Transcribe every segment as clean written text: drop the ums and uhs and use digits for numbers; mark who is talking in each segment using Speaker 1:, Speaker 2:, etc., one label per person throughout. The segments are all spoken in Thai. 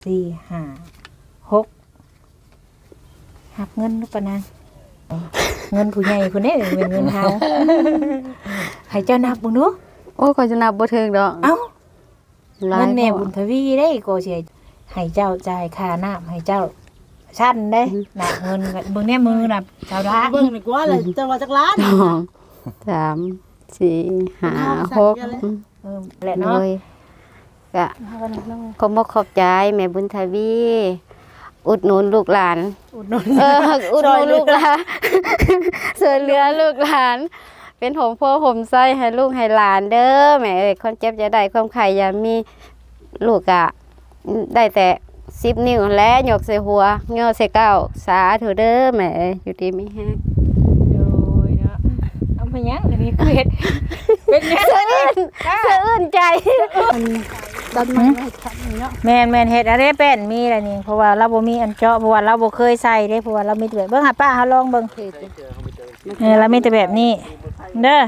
Speaker 1: 4 5 6หักเงินลูกปะนางเงินผู้ใหญ่คนนี้เป็นเงินเฮาให้เจ้านับบ่ดู
Speaker 2: โอ้ก็จะนับบ่ถึงดอก
Speaker 1: เอ้าเงินแม่บุญทวีได้ก็สิให้เจ้าจ่ายค่าน้ำให้เจ้าชั้นได้น่ะเงินเบิ่งแน่มือน่ะชาวดา
Speaker 3: เบิ่งนี่กว่าเลยจังว่าจักล้าน
Speaker 2: 2 3 4 5 6
Speaker 1: แหละเนาะ
Speaker 2: ก็ขอบขอบใจแม่บุญทวีอุดหนุนลูกหลานอุดหนุนลูกหลานช่วยเหลือลูกหลานเป็นหอมพ่อหอมไส้ให้ลูกให้หลานเด้อแม่เอ้ยคนเจ็บจะได้ความไข่อย่ามีลูกอะได้แต่10 นิ้วและหยกใส่หัวย่อใส่เก้าสาธุเด้อแม่เอ้ยอยู่ดีมีแฮง
Speaker 1: โดยเนาะเอาไปยังอันนี้คือเฮ็ดเป็นแม่
Speaker 2: สะอื้นใจ
Speaker 3: ดันมาให้แข็งเนาะ
Speaker 1: แม่นเฮ็ดอะไรเป็นมีอะไรนี่เพราะว่าเราบ่มีอันเจาะเพราะว่าเราบ่เคยใส่เด้เพราะว่าเรามีแต่แบบเบิ่งหาป้าเฮาลองเบิ่งเรามีแต่แบบนี้เด้อ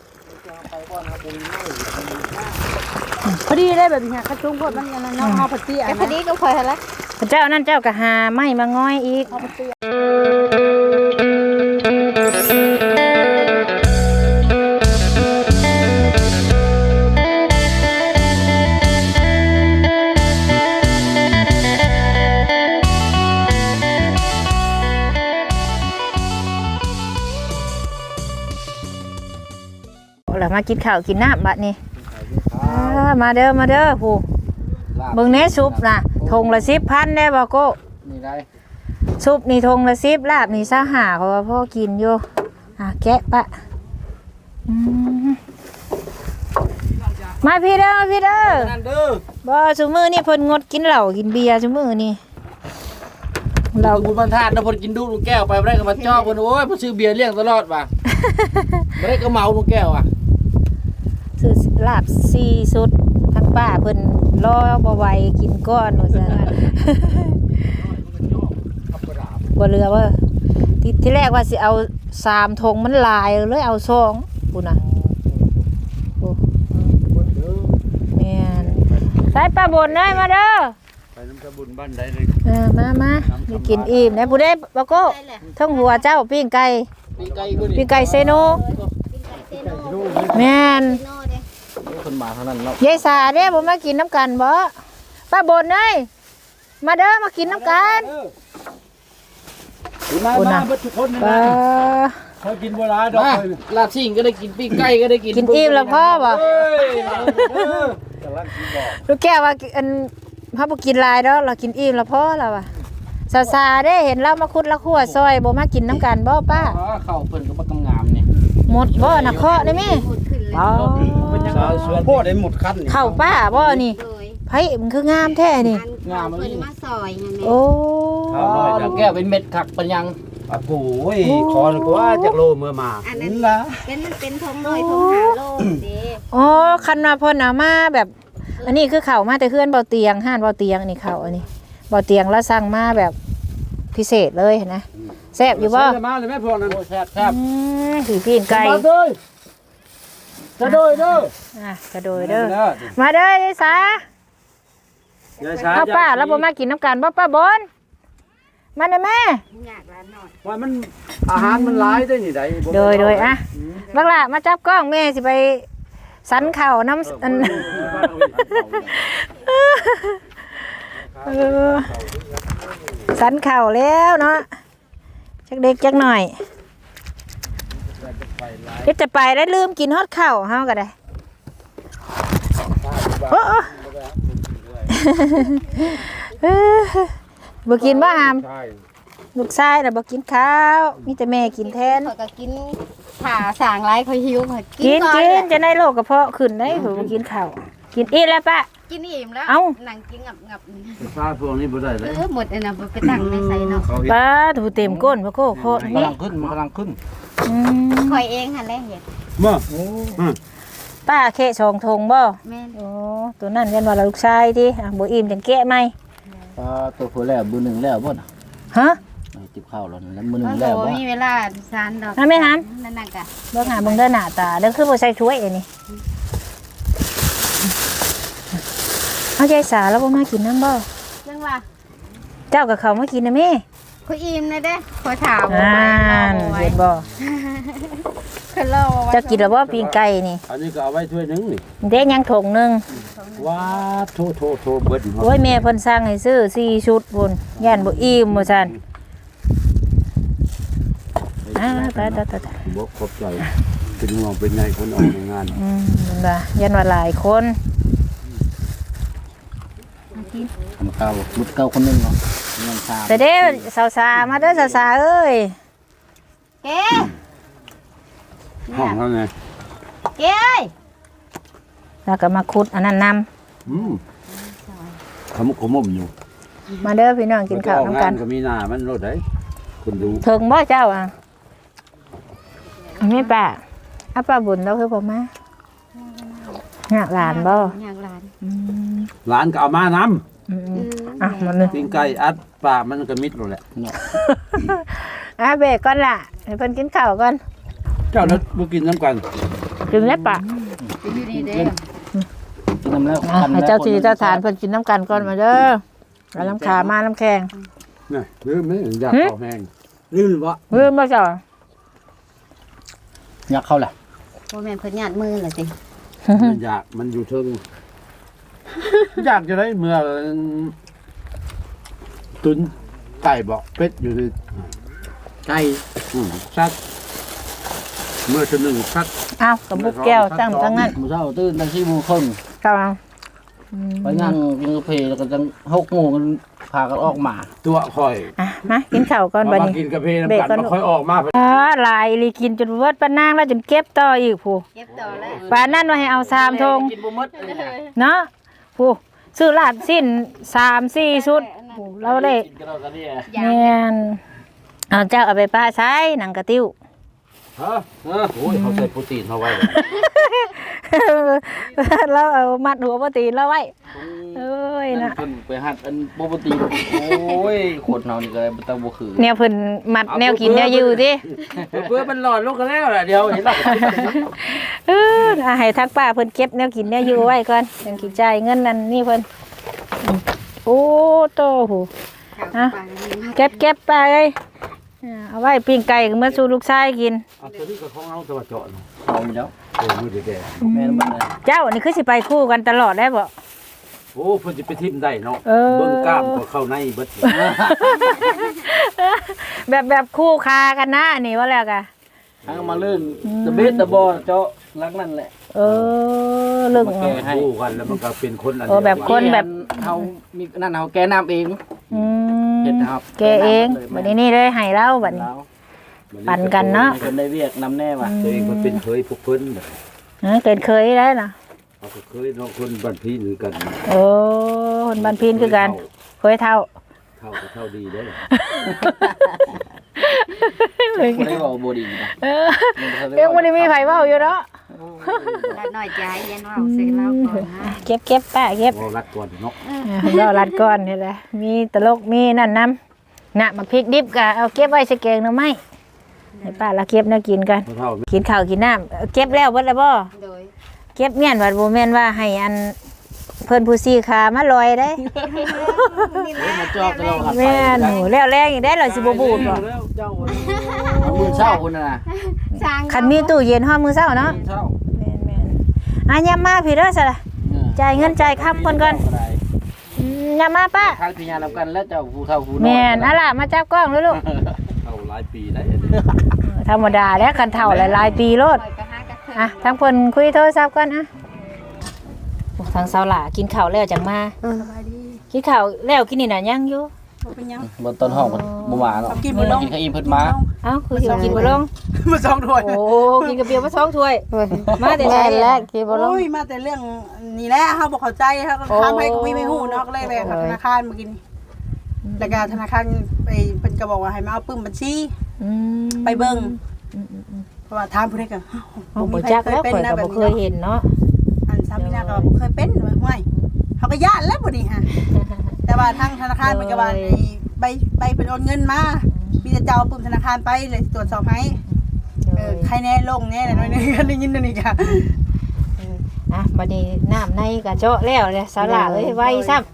Speaker 3: พอดีได้แบบนี้ค่ะจุ้งพวกมันอันนั้นเนาะเฮาพอดีอันนั้น
Speaker 2: พอดีก็พอหั่นละ
Speaker 1: เจ้านั่นเจ้าก็หาไม้มาง้อยอีกแล้วมากินข้าวกินน้ำบัดนี้มาเด้อผู้เบิ่งแน่ซุปน่ะทงละ10,000ได้บ่โก้
Speaker 4: นี่ได้
Speaker 1: ซุปนี่ทงละ10ลาบนี่25เขาว่าพ่อกินอยู่แกะปะมาพี่เด้อ
Speaker 4: นั่นเด้อ
Speaker 1: บ่ซุมื้อนี่เพิ่นงดกินเหล้ากินเบียร์ซุมื้อนี่
Speaker 4: เราบุญบรรทัดนะเพิ่นกินดูลูกแก้วไปบ่ได้ก็มาจ้อเพิ่นโอ้ยเพิ่นซื้อเบียร์เลี้ยงตลอดว่ะบ่ได้ก็เมาลูกแก้วอ่ะ
Speaker 1: ซื้อลาบ4สุดทั้งป้าเพิ่นรอบ่ไหวกินก้อนว่าซั่นบ่เหลือว่าที่แรกว่าสิเอา3ธงมันหลายเลยเอา2พุ่นน่ะโอ้แม่นใส่ป้าบนเอ้ยมาเด้อ
Speaker 4: ไปน้ำตะบุญบ้านใดเลย
Speaker 1: มามีกินอิ่มนะผู้ใดบ่โก้ทั้งหัวเจ้าปิ้งไก่เซโนแม่น
Speaker 4: คนมาเท่านั้นเนาะ
Speaker 1: ยายสาเด้บ่มากินน้ำกันบ่ป้าบนเอ้ยมาเด้อมากินน้ำกัน
Speaker 4: มาเบิดทุกคนนะเขากินบ่หลายดอกลาบซิ่งก็ได้กินปิ้งไก่ก็ได้กิน
Speaker 1: อิ่มแล้วพ่อบ่ลูกแก้วว่าอันพ่อบ่กินหลายดอกเรากินอิ่มแล้วพ่อแล้วว่ะสาเด้เห็นเรามาคุดละคั่วซอยบ่มากินน้ำกันบ่ป้า
Speaker 4: ข้าวเพิ่นก็บ่งามนี่
Speaker 1: หมดบ่น่ะเคาะได้มั้ย
Speaker 4: อ๋อสวนโพดได้หมดคัน
Speaker 1: เข้าป้าบ่นี่ไผมันคืองามแท้นี่
Speaker 4: งาม
Speaker 2: เพิ่นมาซอยนั่นแหละ
Speaker 1: โอ้
Speaker 4: แก้วเป็นเม็ดคักปัญญัง
Speaker 5: โอ้โหขอนึกว่าจากโลเมื่อมา
Speaker 2: อันนั้นล่ะเป็นทงน้อยทง5โลเด้
Speaker 1: อ๋อคันว่าเพิ่นเอามาแบบอันนี้คือเข้ามาแต่เฮือนเบาเตียงห้านเบาเตียงนี่เข้าอันนี้เบาเตียงแล้วสั่งมาแบบพิเศษเลยนะแซ่บอยู่บ่
Speaker 5: มาเลยแม่พวกนั้น
Speaker 4: แซ่บ
Speaker 1: ถือปีนไก่
Speaker 4: กระโดยเด้
Speaker 1: อกระโดยเด้อมาเด้อยายสาเอาป้าแล้วบ่มากินน้ำกันบ่ป้าบนมาเด้อแม่
Speaker 2: อยากร้านหน่อย
Speaker 5: ว่ามันอาหารมันหลายได้นี่ได้
Speaker 1: โดยอ่ะบักล่ะมาจับกล้องแม่สิไปสันเข่าน้ำสันเข่าแล้วเนาะจักเด็กจักหน่อยจะไปได้ลืมกินฮอดข้าวเฮาก็ได้โอ้บ่กินบ่อามลูกชายน่ะบ่กินข้าวมีแต่แม่กินแทน
Speaker 2: ก็กินผ่าสางไรเขาหิว
Speaker 1: กินจะได้โรคกระเพาะขึ้นได้บ่กินข้าวกินอิ่มแล้วปะ
Speaker 2: กินอิ่มแล้วนั่งกินงับ
Speaker 5: ฟ้าพวกนี้บ่ได้เลย
Speaker 2: หมดอันน่ะไปตั้งในใส่เนาะ
Speaker 1: ป้าถูเต็มก้นพ่อโคโคนี่
Speaker 4: กำลังขึ้น
Speaker 2: คอยเองหั่นแหละเฮ็ด
Speaker 5: บ่
Speaker 1: ป้าแค่2ธงบ่
Speaker 2: แม่น
Speaker 1: โอ้ตัวนั้นยันว่าลูกชายติบ่อิ่มจังแกะใหม่
Speaker 4: ตัวผู้แล้วมื้อนึงแล้วบ่น่ะ
Speaker 1: ฮะ
Speaker 4: จิบข้าวแล้วแล้วมื้อนึงแล้วบ่
Speaker 2: มีเวลาสานดอก
Speaker 1: แม่หาม
Speaker 2: นั่นน่ะกะ
Speaker 1: เบิ่งหาเบิ่งเด้อหน้าตาเด้อคือบ่ใส่ถ้วยอันนี้เอาใจสาแล้วบ่มากินน้ำบ่
Speaker 2: ยังงล่ะ
Speaker 1: เจ้ากับเขามากินนะแม่
Speaker 2: คุยอิ่มนะเด้ขอถาม
Speaker 1: อ่านเห็นบ่
Speaker 2: คือเรา
Speaker 1: เจ้ากินแล้วบ่ปิ้งไก่นี่
Speaker 5: อันนี้ก็เอาไว้ถ้วยหนึงนี่
Speaker 1: เด้ยังถงหนึง
Speaker 5: ว้าโทเบิด
Speaker 1: โอ้ยแม่เพิ่นสั่งให้ซื้อ4ชุดพุ่นย่านบ่อิ่มว่าซั่นตาย
Speaker 5: บ่ขอบใจเป็นห่วงเป็นไงคนออกในงาน
Speaker 1: นั่นล่ะยันว่าหลายคน
Speaker 4: ทำเก่ามุดเก่าคนนึงเนาะเงินชาม
Speaker 1: แต่เด้สาวๆมาเด้อสาวๆเอ้ย
Speaker 2: เก๋
Speaker 5: ห้องเท่าไง
Speaker 2: เก๋เอ้ย
Speaker 1: แล้วก็มาขุดอันนั้นนำ
Speaker 5: ขมุกขมุมอยู่
Speaker 1: มาเด้อพี่น้องกินข้าวนํกัน
Speaker 5: ก็มีหน้ามันรถได้คนดู
Speaker 1: ถึงบ่เจ้าอ่ะมีป้าอาป้าบุญเราคือบ่มาหากหลานบ่
Speaker 2: อยากหลาน
Speaker 5: หลานก็เอามานำ
Speaker 1: อ่ะมาเลย
Speaker 5: ปิ้งไก่อัดปลามันก็มิดแล้วแหละ
Speaker 1: เบรกก่อนล่ะให้เพิ่นกินข้าวก่อน
Speaker 5: เจ้าแล้วบ่กินน้ำกัน
Speaker 1: กินแล้วปะ
Speaker 2: อยู่ดีเด้
Speaker 4: กินน้ำแล้ว
Speaker 1: ให้เจ้าที่เจ้าทานเพิ่นกินน้ำกันก่อนมาเด้อเอาน้ำขามาน้ำแข็ง
Speaker 5: นี่ลืมไหมอยากข้าวแห้งลืมบ่
Speaker 1: ลืมบ่เจ้า
Speaker 4: อยากเข้าแหละ
Speaker 2: บ่แม่นเพิ่นญาติมือล่ะสิ
Speaker 5: มันอยากมันอยู่เทิงอยากจะได้เมื่อตุนไก่บอกเป็ดอยู่ที่
Speaker 4: ไก่
Speaker 5: สัตว์เมื่อชนึงสัตว์
Speaker 1: อ้าวกับบุกแก้วตั้งทั้งนั้น
Speaker 4: มื้อเช้าตื่นตั้ง4 โมงครึ่ง
Speaker 1: เจ้า
Speaker 4: ไปนั่งกินกาแฟแล้วก็จัง6 โมงกันพากันออกมา
Speaker 5: ตัวคอย
Speaker 1: อ่ะมากินข้าวก่อนบัด
Speaker 5: มา
Speaker 1: นี้
Speaker 5: กินกาแฟน้ำกันมาค่อยออกมา
Speaker 1: หลายอีหลีกินจนเบิดปานนางแล้วจนเก็บต่ออีกผู้
Speaker 2: เก็บต่อแล้ว
Speaker 1: ปานนั้นว่าให้เอา3ธง
Speaker 4: กินบ่หมดเลย
Speaker 1: เนาะผู้ซื้อลาดสิ้น3-4ชุดผู้เราได้
Speaker 4: กินกันเรากันเนี่ย
Speaker 1: แม่นเอาเจ้าเอาไปป้าใช้หนังกระติ้ว
Speaker 5: ฮะโอ้ยเขาใส่โปรตีนเขาไว้
Speaker 1: แล้วเอามัดหัวปตีนแล้วไว้เอ้ยนะ
Speaker 4: เพิ่นไปหัดอันปกติโอ้ยโคตรเฮานี่ก็บ่ต้องบ่คือ
Speaker 1: แนวเพิ่นมัดแนวกินแนวอยู่ติ
Speaker 4: เพื่อมันหลอดลงกันแล้วล่ะเดี๋ยวเห็นแล้ว
Speaker 1: ให้ทักป้าเพิ่นเก็บแนวกินแนวอยู่ไว้ก่อนจังสิจ่ายเงินนั่นนี่เพิ่นโอ้โตโหอ่ะเก็บไปเอ้ยเอาไว้ปิ้งไก่เมื่อสู่ลูกชายกิน
Speaker 5: ตัวนี้ก็ของเอาตัวเจาะ
Speaker 4: เอาอยู่แล้ว
Speaker 5: มือแดง
Speaker 4: แม่นมันเลย
Speaker 1: เจ้านี่คือสิไปคู่กันตลอดได้บ่
Speaker 5: โอ้เพิ่นสิไปทิ่มได้เนาะ
Speaker 1: เออ
Speaker 5: เบิ่งกล้ามก็เข้าในเบิด
Speaker 1: แบบคู่คากันนะนี่ว่าแล้วกะ
Speaker 4: ทางมาลื่นตะเบ็ดตะบอเจาะหลังนั่นแหละ
Speaker 1: เออเรื่อง
Speaker 4: มาแก้ให้
Speaker 5: คู่กันแล้วมันก็เป็นคนอัน
Speaker 1: เออแบบคนแบบ
Speaker 4: เฮามีนั่นเฮาแก้น้ำเอง
Speaker 1: อืม
Speaker 4: เฮ็ดครับ
Speaker 1: แกเองบัดนี้นี่เลยให้เราบัดนี้
Speaker 4: แล้ว
Speaker 1: ปั่นกันเนาะ
Speaker 4: ให้คนได้เรียกนำแน่ว่ะ
Speaker 5: ตัวเองมันเป็นเคยพวกเพิ่น
Speaker 1: เกิดเคยได้นะ
Speaker 5: เขาก็เคยเนาะคนบ้านพี่หรือกัน
Speaker 1: โอ้คนบ้านพินคือกันเคยเท่า
Speaker 5: เท่าก็เท่าดีได้
Speaker 4: บ่ได้เว้าบ่ดีนะ
Speaker 1: เออยังบ่ได้มีไผเว้าอยู่เนาะ
Speaker 2: ละน้อยใจยันว่าเอาใส่เราก่อนนะ
Speaker 1: เก็บป้าเก็บ
Speaker 5: บ่รัดก่อนเนาะ
Speaker 1: เรารัดก่อนนี่แหละมีตลกมีนั่นนำน่ะมาพริกดิบก็เอาเก็บไว้ใส่แกงหน่อไม้ให้ป้าละเก็บแนวกินกัน
Speaker 5: เท่า
Speaker 1: กินข้าวกินน้ำเก็บแล้วเบิดแล้วบ่
Speaker 2: โดย
Speaker 1: เก็บเมียนว่าบ่แม่นว่าให้อันเพิ่นผู้ซีขามาลอยได้
Speaker 4: มาจอกเราครับ
Speaker 1: แม่นหนูแล้วแรงอีกได้เราสิบ่บูดบ่
Speaker 4: เอามือเช้าคุณน่ะ
Speaker 2: สร้าง
Speaker 1: คันมีตู้เย็นฮ้อมมื้อเช้าเนาะ
Speaker 4: เช้า
Speaker 1: แม่นๆอ่ะยามมาพี่เด้อซะล่ะจ่ายเงินจ่ายค่าเพิ่นก่อนยามมาป้า
Speaker 4: ทางพิญญานํกันแล้วเจ้าผู้เฒ่าผู้น้อย
Speaker 1: แม่นอะล่ะมาจับกล้องเลยลูก
Speaker 5: เท่าหลายปีได้
Speaker 1: ธรรมดาแล้วคันเฒ่าหลายๆปีโลด
Speaker 2: ปล่อยกระหากระเทิง
Speaker 1: อ่ะทางเพิ่นคุยโทรศัพท์ก่อนอ่ะโอ้ทางเสาหล่ากินข้าวแล้วจังมากินข้าวแล้วกินนี่น่ะยังอยู่
Speaker 3: เป็นยัง
Speaker 4: บนต้นห้องบ่หวานหรอก
Speaker 3: กินบ่ลง
Speaker 4: กินข้าวอิ่มเพิ่นมา
Speaker 1: เอ้าคือสิกินบ่ลง
Speaker 3: มาสองถ้วย
Speaker 1: โอ้กินกับเบียร์มา2ถ้วยมาแต่ไส
Speaker 2: แล้วกินบ่ลง
Speaker 3: โอ้ยมาแต่เรื่องนี่แหละเฮาบ่เข้าใจเฮาก็ถามให้ก็ไม่ฮู้เนาะก็เลยไปธนาคารเมื่อกี้นี่แล้วก็ธนาคารไปเพิ่นก็บอกว่าให้มาเอาปึ้มบัญชี
Speaker 1: อืม
Speaker 3: ไปเบิ่งเพราะว่าถามผู้ใดก็
Speaker 1: เอาบ่จักแล้วข่อยก็บ่เคยเห็นเนาะ
Speaker 3: อันสามีนาก็บ่เคยเป็นว่าห่วยเขาก็ย่านแล้วบ่นี่ฮะแต่ว่าทางธนาคารมันก็ว่าไอ้ใบเป็นโอนเงินมามีแต่เจ้าเอาปึ้มธนาคารไปเลยตรวจสอบให้ใครแน่ลงแน่หน่อยนึงก็ได้ยินนั่นอีกค่ะ
Speaker 1: อ่ะบัดนี้น้ำในก็เจาะแล้วเลยเสาหล่าเอ้ยไว้ซ้ำ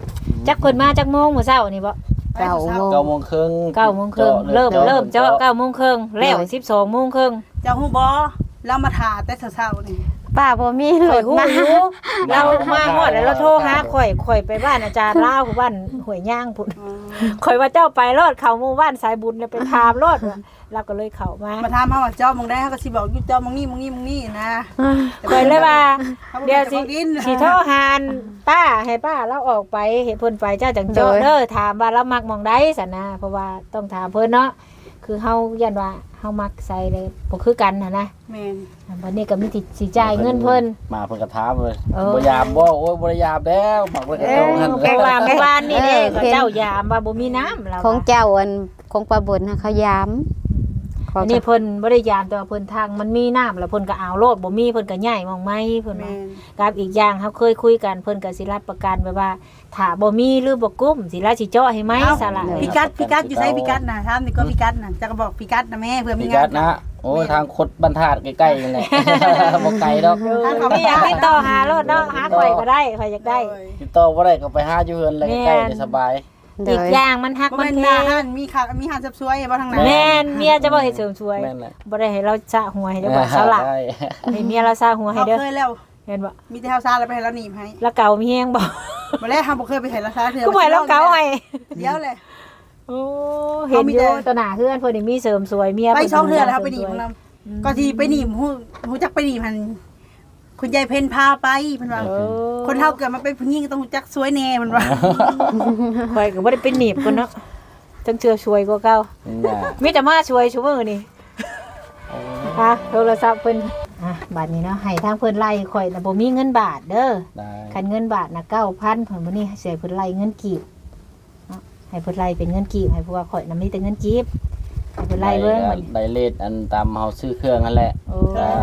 Speaker 1: จักเพิ่นมาจักโมงมื้อเช้านี่บ่
Speaker 2: 9 โมง
Speaker 4: 9 โมงครึ่ง
Speaker 1: 9 โมงครึ่งเริ่มเจาะ9 โมงครึ่งแล้ว12 โมงครึ่ง
Speaker 3: เจ้าฮู้บ่เรามาถ่าแต่เช้าๆนี่
Speaker 2: ป้าบ่มีร
Speaker 1: ข่อย
Speaker 2: ถ
Speaker 1: ฮู้
Speaker 2: มา
Speaker 1: อยู่เรามาฮอดแล้วเราโทรหาข่อยไปบ้านอาจารย์ลาวผู้บ้านห้วยย่างพุ่นข่อยว่าเจ้าไปรอดเข้าหมู่บ้านสายบุญแล้วไปถามรอดว่าเราก็เลยเข้ามา
Speaker 3: มาถามเฮาว่าเจ้ามองได้เฮาก็สิบอกอยู่เจ้ามองนี่นะ
Speaker 1: ข่อยเลยว่า
Speaker 3: ขาบ่
Speaker 1: เดี๋ยว
Speaker 3: จะบอกกิน
Speaker 1: สิโทรหาป้าให้ป้าเราออกไปเห็นเพิ่นไปเจ้าจังเจาะเด้อถามว่าเรามักหมองใดซั่นนะเพราะว่าต้องถามเพิ่นเนาะคือเฮายันว่าเฮามักใส่เลยบ่คือกันน่ะนะ
Speaker 3: แม่น
Speaker 1: วันนี้ก็มีสิจ่ายเงินเพิ่น
Speaker 4: มาเพิ่นก็ถามเลย
Speaker 1: เออ
Speaker 4: บ่ยามบ่โอ้ยบ่ได้ยามแล้วหมักไว้กับเจ้าหั่น
Speaker 1: เพราะว่าเมื่อวานนี่เด้ก็เจ้ายามว่าบ่มีน้ำแล้ว
Speaker 2: ของเจ้าอันของป้าบุญน่ะเขายาม
Speaker 1: อันนี้เพิ่นบ่ได้ยามแต่ว่าเพิ่นทางมันมีน้ำแล้วเพิ่นก็เอาโลดบ่มีเพิ่นก็ย้ายหมองไม้เพิ่น
Speaker 3: แม่
Speaker 1: ว่าน กับอีกอย่างเฮาเคยคุยกันเพิ่นก็สิรับประกันไว้ว่าถ้าบ่มีหรือบ่กุ้มสิลาสิเจาะให้ไหมซะล่ะ
Speaker 3: พิกัดอยู่ไสพิกัดน่ะถามนี่ก็พิกัดน่ะจะก็บอกพิกัดนะแม่เผื่อมี
Speaker 4: มี
Speaker 3: งา
Speaker 4: กั
Speaker 3: น
Speaker 4: ดนะโอ้ยทางคดบรรทัดใกล้ๆนี่แหละ บ่ไกลดอก
Speaker 3: ทางเขา
Speaker 1: มีอยากติดต่อหารถเนาะหาข่อยก็ได้ข่อยอยากได้
Speaker 4: ติดต่อบ่ได้ก็ไปหาอยู่เฮือนเลยใกล้ๆนี่สบาย
Speaker 2: โด
Speaker 1: อีก
Speaker 2: ย
Speaker 1: อย่างมันฮัก
Speaker 3: บ่
Speaker 1: มัน
Speaker 3: แม่น
Speaker 1: เพ
Speaker 3: หน้าห้านมีค่ะมีห้านซับซวยบ่ทางนั้น
Speaker 1: แม่นเมียจะบ่เฮ็ดเสริมสวย
Speaker 4: แม่นแหละ
Speaker 1: บ่ได้ให้เราสะหัวให้ได้บ่สละ
Speaker 4: ได้
Speaker 1: ให้เมียเราสะหัวให้
Speaker 3: เฮา
Speaker 1: เด้อ
Speaker 3: เคยแล้ว
Speaker 1: เห็นบ่
Speaker 3: มีแต่เฮาซาแล้วไปให้เราหนีบให้
Speaker 1: แล้วเก่ามีแฮงบ่
Speaker 3: บ่แล้วเฮาบ่เคยไปให้เราซาเทื่อ
Speaker 1: กูบ่ให้เราเก่าให้
Speaker 3: เดี๋ยวเลย
Speaker 1: โอ้เห็นอยู่ตวหน้าเฮือนเพิ่นนี่มีเสริมสวยเมีย
Speaker 3: ไป
Speaker 1: เพิ่น
Speaker 3: ช่องเทื่อแล้วเฮาไปหนีบของเราก็ที่ไปหนีบฮู้จักไปหนีบมันคุณยายเพ็ญพาไปเพิ่นว่า
Speaker 1: เออ
Speaker 3: คนเฮาเกิดมาเป็นผู้หญิงก็ต้องรู้จักสวยแน่เพิ่นว่า
Speaker 1: ข่อยก็บ่ได้เป็นหนีบเพิ่นเนาะจังเชื่อช่วยกว่าเก่า
Speaker 4: น่ะ
Speaker 1: มีแต่มาช่วยซุมื้อนี่ฮะโทรศัพท์เพิ่นบัดนี้เนาะให้ทางเพิ่นไล่ข่อยน่ะบ่มีเงินบาทเด้อ
Speaker 4: ได้
Speaker 1: คันเงินบาทน่ะ 9,000 เพิ่นมื้อนี้ให้เพิ่นไล่เงินกีบเนาะให้เพิ่นไล่เป็นเงินกีบให้เพราะว่าข่อยน่ะมีแต่เงินกีบให้เพิ่นไล่เบิ่งบัดนี้
Speaker 4: ได้เลทอันตามเฮาซื้อเครื่องนั่นแหละ
Speaker 1: โอ้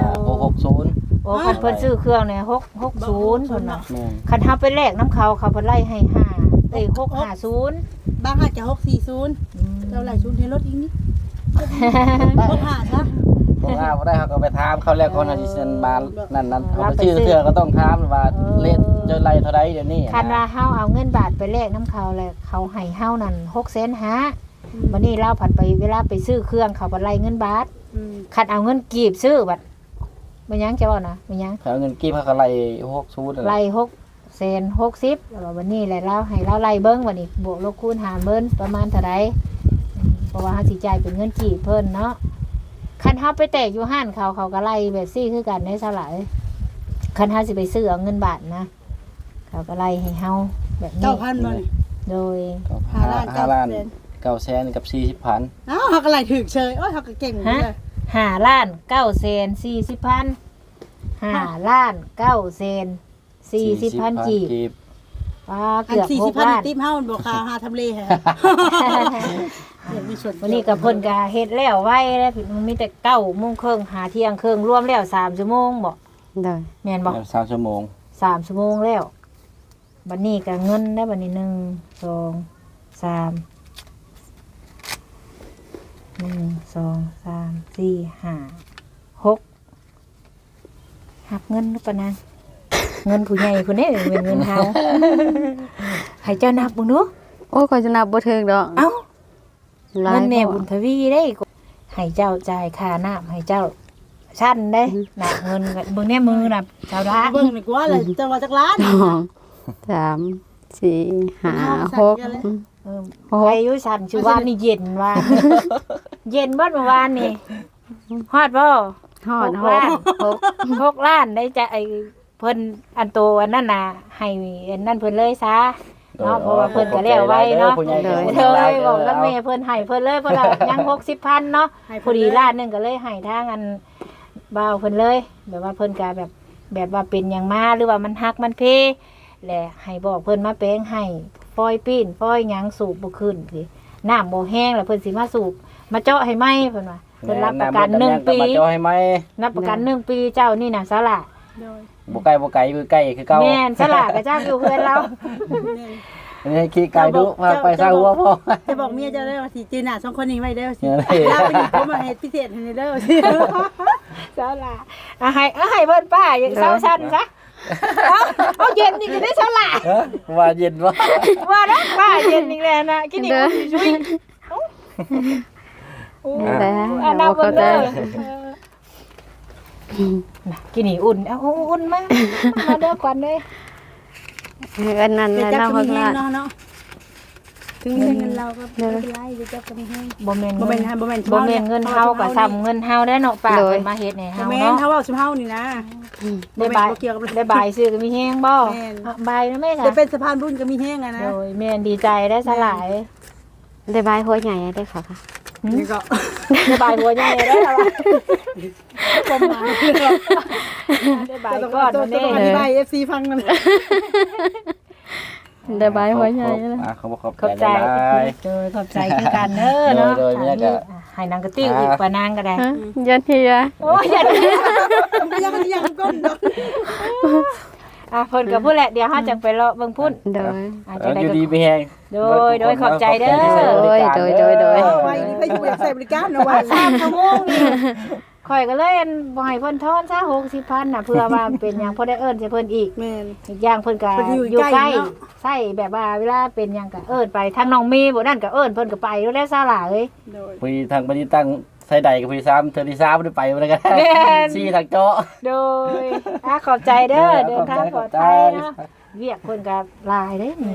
Speaker 4: 660
Speaker 1: โอ้คันเพิ่นซื้อเครื่องเนี่ย660เพิ่นเนาะ
Speaker 4: แม่น
Speaker 1: คันเฮาไปแลกน้ำเขาเพิ่นไล่ให้5650
Speaker 3: บางอาจจะ640เราไหลชุนให้รถอีกนิดบ่ผ่านซะ
Speaker 4: บ่ว่าบ่ได้เฮาก็ไปถามเขาแล้วก่อนเฮาสิเซ็นมานั่นเอาไปซื้อเครื่องก็ต้องถามว่าเลทจะไล่เท่าใดเดี๋ยวนี้
Speaker 1: คันว่าเฮาเอาเงินบาทไปแลกน้ำเขาแล้วเขาให้เฮานั่น6,500,000วันนี้เราผัดไปเวลาไปซื้อเครื่องเขาบ่ไล่เงินบาทคันเอาเงินกีบซื้อบัดมันยังจะว่านะมันยัง
Speaker 4: เอาเงินกีบเขาก็ไล่60นั่นแห
Speaker 1: ไล่
Speaker 4: ละ
Speaker 1: 660แล้ววันนี้แหละเราให้เราไล่เบิ่งวันนี้บวกลบคูณหารเบิ่งประมาณเท่าใดเพราะว่าเฮาสิจ่ายเป็นเงินกีบเพิ่นเนาะคันเฮาไปแตกอยู่ห้านเขาก็ไล่แบบซี่คือกันได้ซะหลายคันเฮาสิไปซื้อเอาเงินบาทนะเขาก็ไล่ให้เฮาแบบนี้
Speaker 3: 9,000บ่นี่
Speaker 1: โดย
Speaker 4: 5 ล้าน9แสนกับ40,000
Speaker 3: อ้าวเฮาก็ไหลถึกเชยโอ้ยเฮาก็เก่งเลย
Speaker 1: 5 ล้าน9แสน40,000 5 ล้าน9แสน40,000กีบป้า
Speaker 3: อัน
Speaker 1: เกือบ6
Speaker 3: 40,000
Speaker 1: ล้าน
Speaker 3: ติ๊บเฮามันบ่ค่าหาทำเลให้เดี๋ยวมีส่วน
Speaker 1: วันนี้กับเพิ่นก็เฮ็ดแล้วไว้แล้วมันมีแต่9:30 นหาเที่ยงครึ่งรวมแล้ว3ชั่วโมงบ่
Speaker 2: โดย
Speaker 1: แม่นบ่
Speaker 4: 3ชั่วโมง
Speaker 1: 3ชั่วโมงแล้วบัดนี้ก็เงินได้บัดนี้1 2 3 1 2 3 4 5 6หักเงินหรือเปล่านะเงินผู้ใหญ่พุ่นนี่เป็นเงินเฮาให้เจ้านับเบิ่งดู
Speaker 2: โอ้ยก็จะนับบ่ถึงดอก
Speaker 1: เอ้า
Speaker 2: หลา
Speaker 1: เงิ
Speaker 2: ย
Speaker 1: นแม่บุญทวีได้ให้เจ้าจ่ายค่าน้ำให้เจ้าชั้นได้น่ะเงินเบิ่งแน่มือน่ะชาวละ
Speaker 3: เบิ่งนี่กว่าเลยจังว่าจักล้าน
Speaker 2: 2 3 4 5 6
Speaker 1: ใครอยู่ชั้นชื่อว่านี่เย็นว่า เย็นบ่เมื่อวานนี่ฮอดบ่
Speaker 2: ฮอด
Speaker 1: 6 ล้านได้จะไอ้เพิ่นอันโตอันนั้นน่ะให้อันนั้นเพิ่นเลยซะเนาะเพราะว่าเพิ่นก็แล้วไว้เนาะ เลยบอกกับแม่เพิ่นให้เพิ่นเลยเพิ่นว่ายัง60,000เนาะพอดีล้านหนึงก็เลยให้ทางอันบ่าวเพิ่นเลยแบบว่าเพิ่นก็แบบว่าเป็นหยังมาหรือว่ามันฮักมันเพแหละให้บอกเพิ่นมาแปลงให้ปล่อยปีนปล่อยหยังสูบบ่ขึ้นสิน้ำบ่แห้งแล้วเพิ่นสิมาสูบมาเจาะให้ไหมเพิ่นว่าเพิ่นรับประกัน1 ปี
Speaker 4: มาจอให้ไหม
Speaker 1: รับประกัน1 ปีเจ้านี่น่ะสละ
Speaker 4: บ่ไกลอยู่ใกล้คือเก่า
Speaker 1: แม่นสละก็จ้างอยู่เพื่อนเรา
Speaker 4: นี่ขี้ไก่ดุพาไปสร้างหัวพ่อ
Speaker 3: จะบอกเมียจะได้ว่าสิจือหน้า2คนนี้ไว้เด้อสิ
Speaker 4: เนี่ย
Speaker 3: ลาไปนี่ผมมาเฮ็ดพิเศษให้เด้อสิ
Speaker 1: สละให้เพิ่นป้าอย่างเซาชั้นซะเอาเย็นอีกได้ฉลาด
Speaker 4: ฮะว่าเย็นวะ
Speaker 1: ว่านะป้าเย็นอีกแล้วนะกินอีกช่วยอันนั้นเบิ่งเด้อกินนี่อุ่นเอาอุ่นมาเด้อก่อนเด้อ
Speaker 2: อันนั้น
Speaker 3: เดี๋ยว
Speaker 2: แล้ว
Speaker 3: จับ
Speaker 2: น้อง
Speaker 3: ก็มี
Speaker 2: ข้าง
Speaker 3: แห้
Speaker 2: ล่าง ง
Speaker 3: เนาะถึงเงินเราก็ไม่เป็นไรเดี๋ยวจับก็มีแห้ง
Speaker 1: บ่แม่น
Speaker 3: บ่แม่นฮะบ่แม่น
Speaker 1: บ่แม่นเงินเฮาก็ซ้ำเงินเฮาได้เนาะป้าเพิ่นมาเฮ็ดให้
Speaker 3: บ่
Speaker 1: เฮา
Speaker 3: แม่น
Speaker 1: เนาะ
Speaker 3: ถ้าเว้าสิเฮานี่นะ
Speaker 1: ได้บาย
Speaker 3: บ่เกี่ยวกับ
Speaker 1: ได้บายซื้อก็มีแฮงบ่
Speaker 3: แม่น
Speaker 1: บายนะแม่ค่ะ
Speaker 3: จะเป็นสะพานบุญก็มีแห้งอะนะ
Speaker 1: โดยแม่นดีใจได้สลาย
Speaker 2: ได้บายหัวใหญ่ได้ค่ะค่ะ
Speaker 3: นี่ก็
Speaker 1: ได้บายหัวใหญ่ได้แล้ว
Speaker 3: ประมาณ
Speaker 1: ได้บายก่อนวันนี้
Speaker 3: ต้องอธิบาย FC ฟังนั่นแหละ
Speaker 2: ได้บายหัวใหญ่เลย
Speaker 4: เขาบอก
Speaker 1: ขอบใจ โดยขอบใจคือกันเด้อเนาะ
Speaker 4: โดยแม่ก็
Speaker 1: ให้นางกระติ้วอีกปานางก็ได้
Speaker 2: ยันเฮีย
Speaker 1: โอ้ยอย่า
Speaker 3: มันยังก้นดอก
Speaker 1: เพิ่นก็พูดแหละเดี๋ยวเฮาจังไปเลาะเบิ่งพุ่น
Speaker 2: โดย
Speaker 1: อาจจะได้
Speaker 4: อยู่
Speaker 1: ก็
Speaker 4: ดีไปแหง
Speaker 1: โดยขอบใจเด้อ
Speaker 2: โดย
Speaker 3: ไว้นี่ไปอยู่อยากใส่บริการเนาะว่า
Speaker 1: 3 ชั่วโมงนี่ข่อยก็เลยบ่ให้เพิ่นทอนซะ60,000น่ะเพื่อว่าเป็นหยังพอได้เอิ้นใส่เพิ่นอีก
Speaker 3: แม่น
Speaker 1: อีกอย่างเพิ่นก็
Speaker 3: เพิ่นอยู่
Speaker 1: อยู่
Speaker 3: ใก
Speaker 1: ใก
Speaker 3: ล้
Speaker 1: ล้
Speaker 3: เนาะ
Speaker 1: ใช่แบบว่าเวลาเป็นหยังก็เอิ้นไปทางน้องเมย์บ่นั่นก็เอิ้นเพิ่นก็ไปแล้วแหละซาหล่าเอ้ย
Speaker 3: โดย
Speaker 4: พอดีทางปฏิตั้งใส่ใดกับพอดี3เทอที่3ได้ไปบ่ได้กัน
Speaker 1: แม่น
Speaker 4: ซี่ทางเจาะ
Speaker 1: โดยขอบใจเด้อเดินทางปลอดภัยเนาะเวียกเพิ่นก็หลายเด้นี่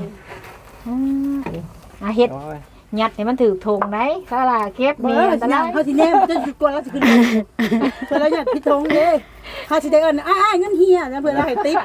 Speaker 1: เฮ็ดยัดให้มันถูกทงได้ซาหล่าเก็บ
Speaker 3: มี
Speaker 1: มี
Speaker 3: อั
Speaker 1: อั
Speaker 3: น
Speaker 1: น
Speaker 3: ต
Speaker 1: ต
Speaker 3: ราร
Speaker 1: าย ย
Speaker 3: เขาสิแนมจะกลัวเราสิขึ้นเพื่อเราอยากพิทงเด้เขาสิได้เอิ้นเงินเฮียนะเพื่อเราให้ติ๊บ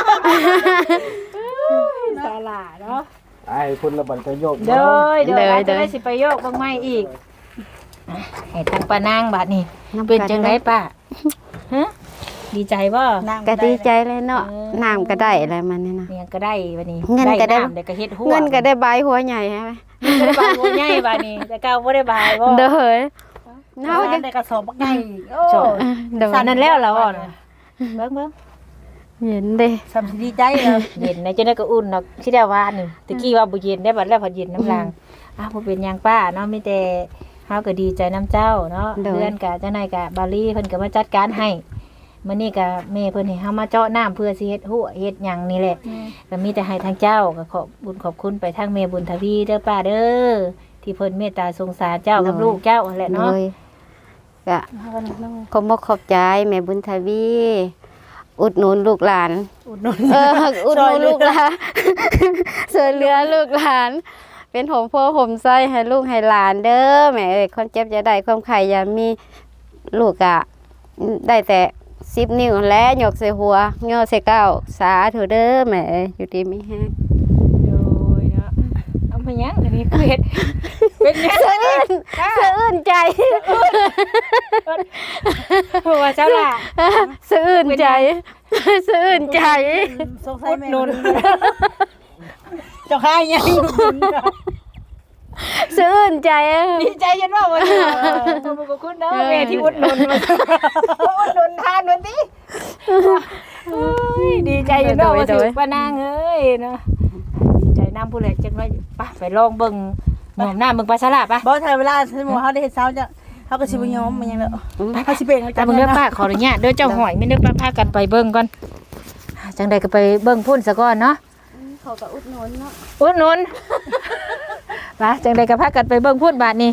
Speaker 1: ซาหล่าเนาะ
Speaker 4: ไอ้คุณระบัดจะโยก
Speaker 1: เด้ออาจจะได้สิไปโยกเบิ่งใหม่อีกให้ทางป้านางบัดนี้เป็นจังไดป้าฮะดีใจบ่
Speaker 2: ก็ดีใจเลยเนาะน้ำก็ได้อะไรมันนี่นะ
Speaker 1: เนี่ยก็ได้บัดนี้
Speaker 2: เงินก็ได้
Speaker 1: น้ำได้ก็เฮ็ดหัว
Speaker 2: เงินก็ได้บายหัวใหญ่ใช่ไหม
Speaker 1: บ่ได้บายหัวใหญ่บัดนี้แต่เก่าบ่ได้บายบ่
Speaker 2: โดย
Speaker 3: เฮาได้กระสอบบักใหญ่โอ้
Speaker 2: โดย
Speaker 1: สานนั่นแล้วล่ะบ่น่ะเบิ่ง
Speaker 2: เห็นเด้
Speaker 3: สำดีใจแล้ว
Speaker 1: เย็นนะจังได๋ก็อุ่นเนาะสิได้ว่านี่ตะกี้ว่าบ่เย็นได้บัดแล้วพอเย็นน้ำลางบ่เป็นหยังป้าเนาะมีแต่เฮาก็ดีใจน้ำเจ้าเนาะเพื่อนก็จังได๋ก็บาลีเพิ่นก็มาจัดการให้มื้อนี้ก็แม่เพิ่นให้เฮามาเจาะน้ำเพื่อสิเฮ็ดหัวเฮ็ดหยังนี่แหละก็มีแต่ให้ทางเจ้าก็ขอบบุญขอบคุณไปทางแม่บุญทวีเด้อป้าเด้อที่เพิ่นเมตตาสงสารเจ้ากับลูกเจ้านั่นแหละ
Speaker 2: โด
Speaker 1: เนาะ
Speaker 2: ยก็ขอบขอบใจแม่บุญทวี อุดหนุนลูกหลาน อุดหนุนลูกหลานช่วยเหลือลูกหลาน เป็นผมพ่อผมไส้ให้ลูกให้หลานเด้อแม่เอ้ยความเจ็บจะได้ความไข่อย่ามีลูกอะได้แต่10 นิ้วและหยกใส่หัวย่อใส่เก้าสาธุเด้อแม่เอ้ยอยู่ดีไม่แห้ง
Speaker 1: โดยเนาะเอามาหยังอันนี้คือเฮ็ดเป็นหยัง
Speaker 2: สะอื้นใจ
Speaker 1: เพราะว่าเจ้าล่ะ
Speaker 2: สะอื้นใจสะอื้นใจ
Speaker 3: สงสัยแม่นเจ้าค่ายยัง
Speaker 2: สะอื้นใจ
Speaker 1: ดีใจจนว่าวันนี้ขอบคุณเนาะแม่ที่อุดหนุนมาอุดหนุนทานวันนี้ดีใจจนว่าว่าถึงป้านางเอ้ยเนาะดีใจน้ำผู้เล็กจังเลยไปลองเบิ่งหน่อมน้ำเบิ่งปลาสลัดป่ะ
Speaker 3: บ่ถ้าเวลาสมมุติเฮาได้เฮ็ดเช้าจะเฮาก็สิบ่ยอมมันยังแล้วเฮาสิเป็น
Speaker 1: แต่เบิ่งเด้อป้าขออนุญาตเด้อเจ้าหอยไม่นึกพากันไปเบิ่งก่อนจังใดก็ไปเบิ่งพุ่นซะก่อนเนาะ
Speaker 2: เขาก็อุดหนุนเนาะ
Speaker 1: อุดหนุนป้าจังใดก็พากันไปเบิ่งพุ่นบาดนี้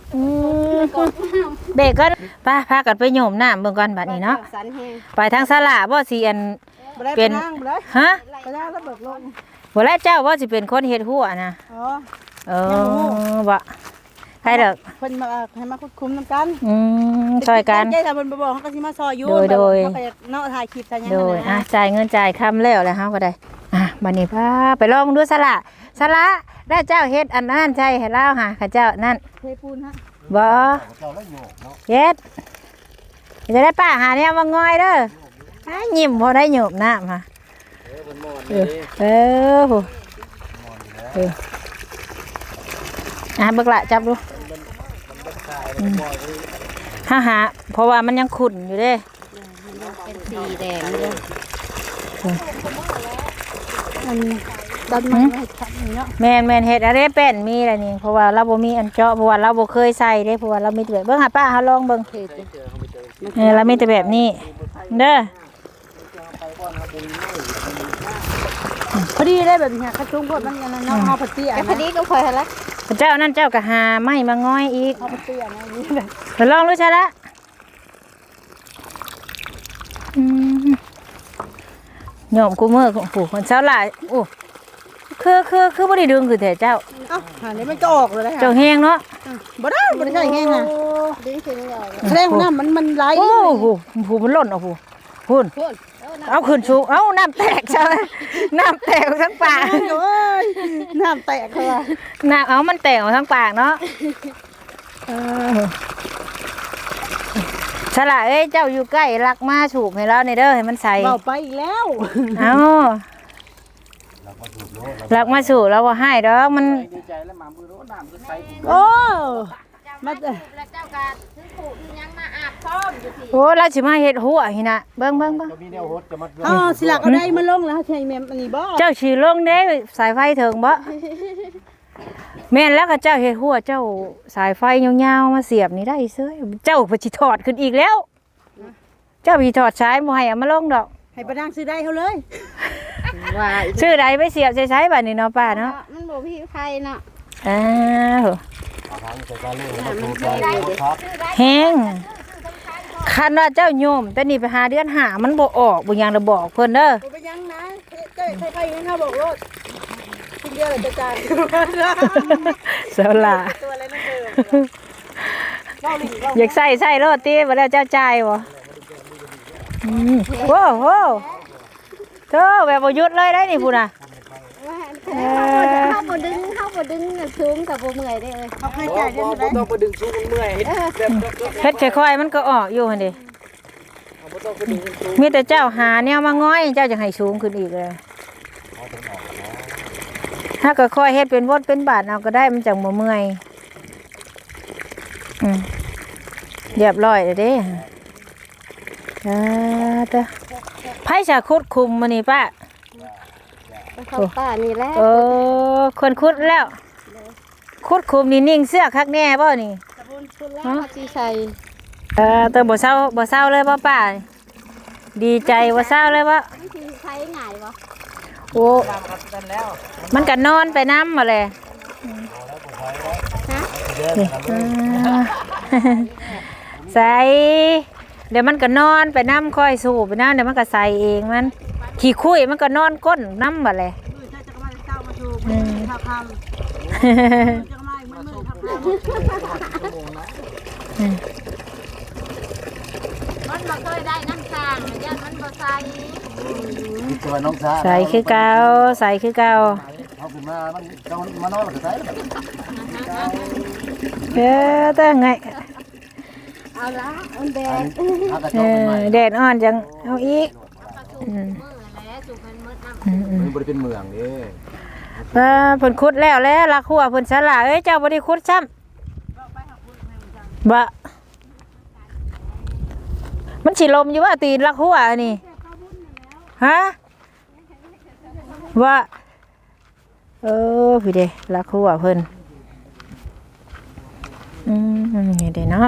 Speaker 1: เบรกก่อนป้าพากันไปโยมน้ำเบิ่งก่อนบาดนี้เนาะ
Speaker 2: สันแห้ง
Speaker 1: ไปทางสลาบ่สิอัน
Speaker 3: เป็นนั่งบ่ได้
Speaker 1: ฮะ
Speaker 3: ก็ได้ระเบิดลง
Speaker 1: บ่แล้วเจ้าบ่สิเป็นคนเฮ็ดหัวนะ
Speaker 3: อ๋อ
Speaker 1: เออบ่ใครเด้อ
Speaker 3: เพิ่นมาให้มาควบคุมนำกัน
Speaker 1: ช่วยกัน
Speaker 3: ใจถ้าเพิ่นบ่บอกเฮาก็สิมาซอยอยู่
Speaker 1: โดย
Speaker 3: เฮาก็อยากเนาะถ่ายคลิปถ่ายหยัง
Speaker 1: โดย
Speaker 3: นะ
Speaker 1: จ่ายเงินจ่ายคำแล้วแหละเฮาก็ได้บัดนี้พาไปลองดูสละแล้วเจ้าเฮ็ดอันนั้นใช่ให้ลาวหาข้าเจ้านั่น
Speaker 3: เทปูนฮะ
Speaker 1: บ่เฮ็ดจะได้ป้าหาเนี่ยมาง่อยเด้อยิ้มพอได้โยบน้ำค่ะเออโหเบิกละจับดูหาเพราะว่ามันยังขุ่นอยู่เด้
Speaker 2: เป็นสีแดงเลย
Speaker 3: มันดันมาให้ทันเนาะ
Speaker 1: แม่นเฮ็ดอะไรเป็นมีอะไรนี่เพราะว่าเราบ่มีอันเจาะเพราะว่าเราบ่เคยใส่เด้เพราะว่าเรามีแต่แบบเบิ่งหาป้าเฮาลองเบิ่งเรามีแต่แบบนี้เด้อ
Speaker 3: พอดีได้แบบนี้คัดจุ้งพดมันกันเนาะเฮาพอดีอ่ะ
Speaker 2: แค่พอดีก็คอยหั่นละ
Speaker 1: เจ้านั่นเจ้าก็หาไม้มาง้อยอีก
Speaker 3: เฮาพอดีอ่ะนะนี่แบบ
Speaker 1: ไปลองดูใช่ละโยมกูมือของผู้คนเช้าหลายโอ้คือบ่ได้ดึงคือแต่เจ้า
Speaker 3: เอ้าหานี่มันก็ออกเลยนะ
Speaker 1: เจ้าแห้งเนาะ
Speaker 3: บ่ได้ใช่แห้งอ่ะ
Speaker 2: ดึงขึ้นออก
Speaker 3: แสดงว่าน้ำมันไหล
Speaker 1: โอ้โหผู้มันหล่นเอาผู้พุ่น
Speaker 2: พุ่น
Speaker 1: เอาขึ้นสูงเอาน้ำแตกใช่ไหมน้ำแตกทั้งปาก
Speaker 3: โอ้ยน้ำแตกเขาว่า
Speaker 1: น้ำเอามันแตกออกทั้งปากเนาะฉลาดเอ้ยเจ้าอยู่ใกล้รักมาฉูบให้เราในเด้อให้มันใส่
Speaker 3: เบาไปอีกแล้ว
Speaker 1: เอารักมาฉูบแล้วว่าให้ดอกมัน
Speaker 4: ดีใจแล้วหมามือรู้น้ำคือใส
Speaker 3: โอ้มา
Speaker 2: แล้วเจ้าก็ถึงผู้ยังมาอาบพร้อมอยู่สิ
Speaker 1: โอ้เราสิมาเฮ็ดหัวหินะเบิ่ง
Speaker 5: จะมีแนวโหดจะมา
Speaker 3: อ๋อสิลักเอาได้มาลงแล้วใช่แม่อันนี้บ่
Speaker 1: เจ้าสิลงเด้สายไฟถึงบ่แม่นแล้วก็เจ้าเฮ็ดหัวเจ้าสายไฟยาวๆมาเสียบนี่ได้เซ้ยเจ้าไปสิถอดขึ้นอีกแล้ว เจ้าไปถอดสายบ่ให้เอามาลงดอก
Speaker 3: ให้ประดังซื้อได้เขาเลย
Speaker 2: ว่า
Speaker 1: ชื่อใดไปเสียบใช้บัดนี้เนาะป้าเนาะ
Speaker 2: มันบ่มีไฟเนาะ
Speaker 1: อ้าว
Speaker 5: ทางจะการเล่นมาดูใจครับ
Speaker 1: แห้งคันว่าเจ้าโยมแต่นี่ไปหาเดือนหามันบ่ออกบ่ยังระบอกเพิ่นเด้อ
Speaker 3: บ่ไปยังนะเจ้าใครๆงั้นเฮาบอกโลดคุณเดียวเลยจะจ่าย
Speaker 1: เสาหลา
Speaker 3: ตัวอะไรนั่นเด้อเว้าลิ้นเว้า
Speaker 1: อยากใส่โลดติบ่แล้วเจ้าจ่ายบ่โว้โหเธอแบบบ่หยุดเลยได้นี่พุ่นน่ะ
Speaker 2: เข้าบ่ดึงสูงกับบ่เมื่อยได้เลย
Speaker 3: เขาให้
Speaker 4: บ่
Speaker 3: จ่ายเดือน
Speaker 4: บ่
Speaker 3: เท่าไหร่
Speaker 4: ต้องไปดึงสูงเมื่อยเฮ็ดแบบ
Speaker 1: เฮ็ดค่อยๆมันก็ออกอยู่หั่นดิ
Speaker 4: บ่ต้องไปดึงสูง
Speaker 1: มีแต่เจ้าหาแนวมาง้อยเจ้าจะให้สูงขึ้นอีกเลยถ้าก็ค่อยเฮ็ดเป็นวดเป็นบาทเอาก็ได้มันจังบ่เมื่อยเรียบร้อยแล้วเด้ตะไผจะคุดคุมมื้อนี้ป้า
Speaker 2: เข้าป่านี่แหละ
Speaker 1: คนคุดแล้ว คุดคุมนี่นิ่งเสื้อคักแน่บ่นี่
Speaker 2: เขาสิใส่
Speaker 1: แต่บ่เศร้าเลยบ่ป้าดีใจบ่เศร้าเลยบ่
Speaker 2: มันสิใช้ง่ายบ่
Speaker 1: โอ้มันก็นอนไปน้ำมาเลยใส่เดี๋ยวมันก็นอนไปน้ำค่อยสูบไปน้ำเดี๋ยวมันก็ใส่เองมันขี้คุยมันก็นอนก้นน้ำมาเลย
Speaker 3: เจ้าจะมาเจ้ามาถูกท่าคำจะมามือท่าคำ
Speaker 2: มันบ่เคยได้น้ำค้างย่านมันบ่ใส่
Speaker 5: ตัวน้องชา
Speaker 1: ใส่คือเก่าใส่คือเก่า
Speaker 5: เอาขึ้นมามันเอามานอนก็ใส่
Speaker 1: แต่ไง
Speaker 2: เอาละมันแดด
Speaker 5: เอากระจกใหม่
Speaker 1: แดดอ่อนจังเอาอีก
Speaker 2: มือแล้วสุกมันมืดน้ำ
Speaker 5: มันบ่ได้เป็นเมืองเด้
Speaker 1: เพิ่นคุดแล้วลักหัวเพิ่นสละเอ้ยเจ้าบ่ได้คุดซ้ำบะมันสิลมอยู่ว่าตีนลักหัวนี่ฮะว่าพี่เด้ลักหัวเพิ่นนี่เด้เนาะ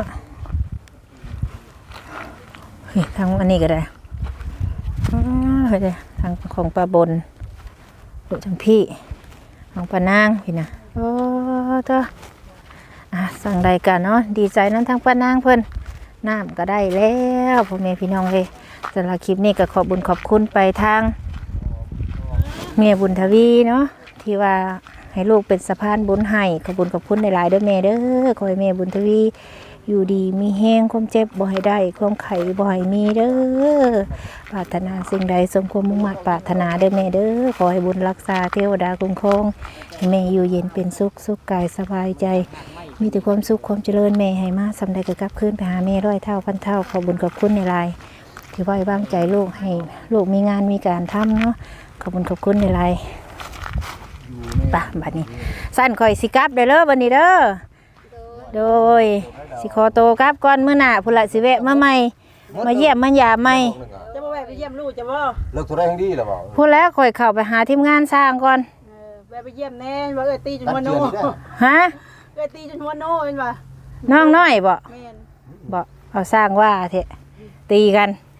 Speaker 1: เฮ้ยทางอันนี้ก็ได้เฮ้ยเด้ทางของปลาบนดูทางพี่ของปลานางพี่นะเด้อสั่งใดกันเนาะดีใจนั้นทางปลานางเพิ่นน้ำก็ได้แล้วพ่อแม่พี่น้องเลยสำหรับคลิปนี้ก็ขอบุญขอบคุณไปทางเมียบุญทวีเนาะที่ว่าให้ลูกเป็นสะพานบุญให้ขอบบุญขอบคุณในหลายๆเด้อแม่เด้อขอให้แม่บุญทวีอยู่ดีมีแห้งความเจ็บบ่ให้ได้ความไข่บ่ให้มีเด้อปรารถนาสิ่งใดสมความมุ่งมั่นปรารถนาเด้อแม่เด้อขอให้บุญรักษาเทวดาคุ้มครองให้แม่อยู่เย็นเป็นสุขกายสบายใจมีแต่ความสุขความเจริญแม่ให้มาสำใดก็กลับคืนไปหาแม่ร้อยเท่าพันเท่าขอบุญขอบคุณในหลายที่ไว้วางใจลูกให้ลูกมีงานมีการทำเนาะขอบคุญขอบคุณในหลายป่ะบัดนี้สั้นคอยสิกลับเด้อบัดนี้เด้อโดยสิขอโตกลับก่อนมื้อหน้าพุ่นละสิแวะมาใหม่มาเยี่ยมมายามใหม่
Speaker 3: จะมาแวะไปเยี่ยมลูกจะบ่
Speaker 5: เลิกตัวได้ทั้งดีแล้วบ่
Speaker 1: พูดแล้วคอยเข้าไปหาทีมงานสร้างก่อน
Speaker 3: แวะไปเยี่ยมแน่ว่าเอ้ยตีจนหัวโน
Speaker 1: ฮะ
Speaker 3: เอ้ยตีจนหัวโนเป็นว่า
Speaker 1: น้องน้อยบ่
Speaker 3: แม่น
Speaker 1: บ่เอาสร้างว่าเถอะตีกัน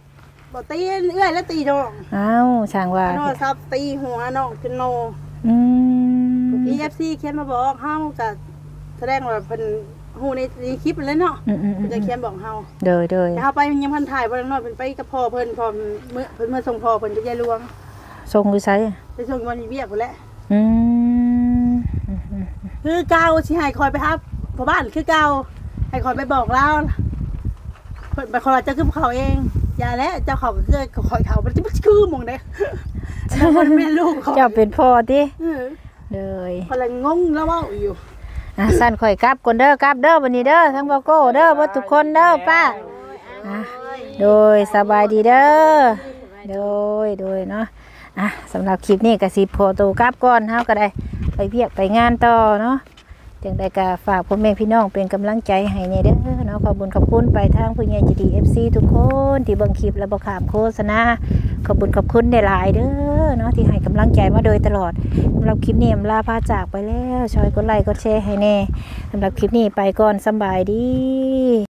Speaker 3: บ่ตีเอื้อยแล้วตีน้อง
Speaker 1: อ้าวช่างว่า
Speaker 3: โทรศัพท์ตีหัวน้องจนโน
Speaker 1: อืม
Speaker 3: EFC เขียนมาบอกเฮาก็แสดงว่าเพิ่นฮู้ในคลิปนั่นแหละเนาะ
Speaker 1: อืม
Speaker 3: เพิ่นจะเขียนบอกเฮา
Speaker 1: เด้อ
Speaker 3: แต่เฮาไปยังพันถ่ายบ่ได้น้อยเพิ่นไปกับพ่อเพิ่นพร้อมเพิ่นมาส่งพ่อเพิ่นไปยายหลวง
Speaker 1: ส่งอยู่ไส
Speaker 3: ไปส่งวันนี้เวียกพุ่นแหละ
Speaker 1: อืม
Speaker 3: คือเก่าสิให้คอยไปครับพ่อบ้านคือเก่าให้คอยไปบอกเล่าเพิ่นไปขอเจ้าคือเขาเองอย่าแล้วเจ้าเขาก็คือคอยเขามันจะคือหมองเด้แล้วคนแม่ลูกเขา
Speaker 1: เจ้าเป็นพ่อติ
Speaker 3: เออ
Speaker 1: เลย
Speaker 3: คนละงงแล้วเว้าอยู่
Speaker 1: สั่นข่อยกลับก่อนเด้อกลับเด้อวันนี้เด้อทั้งบ่โก้เด้อบ่ทุกคนเด้อป้าโดยสบายดีเด้อโดยเนาะสำหรับคลิปนี้ก็สิขอตัวกลับก่อนเฮาก็ได้ไปเวียกไปงานต่อเนาะจังได๋ก็ฝากพ่อแม่พี่น้องเป็นกำลังใจให้แน่เด้อเนาะขอบคุณขอบคุณไปทางผู้ใหญ่ใจดี FC ทุกคนที่เบิ่งคลิปและบ่ข้ามโฆษณาขอบคุณขอบคุณหลายๆเด้อเนาะที่ให้กำลังใจมาโดยตลอดสำหรับคลิปนี้ลาพาจากไปแล้วช่วยกดไลค์กดแชร์ให้แน่สำหรับคลิปนี้ไปก่อนสำบายดี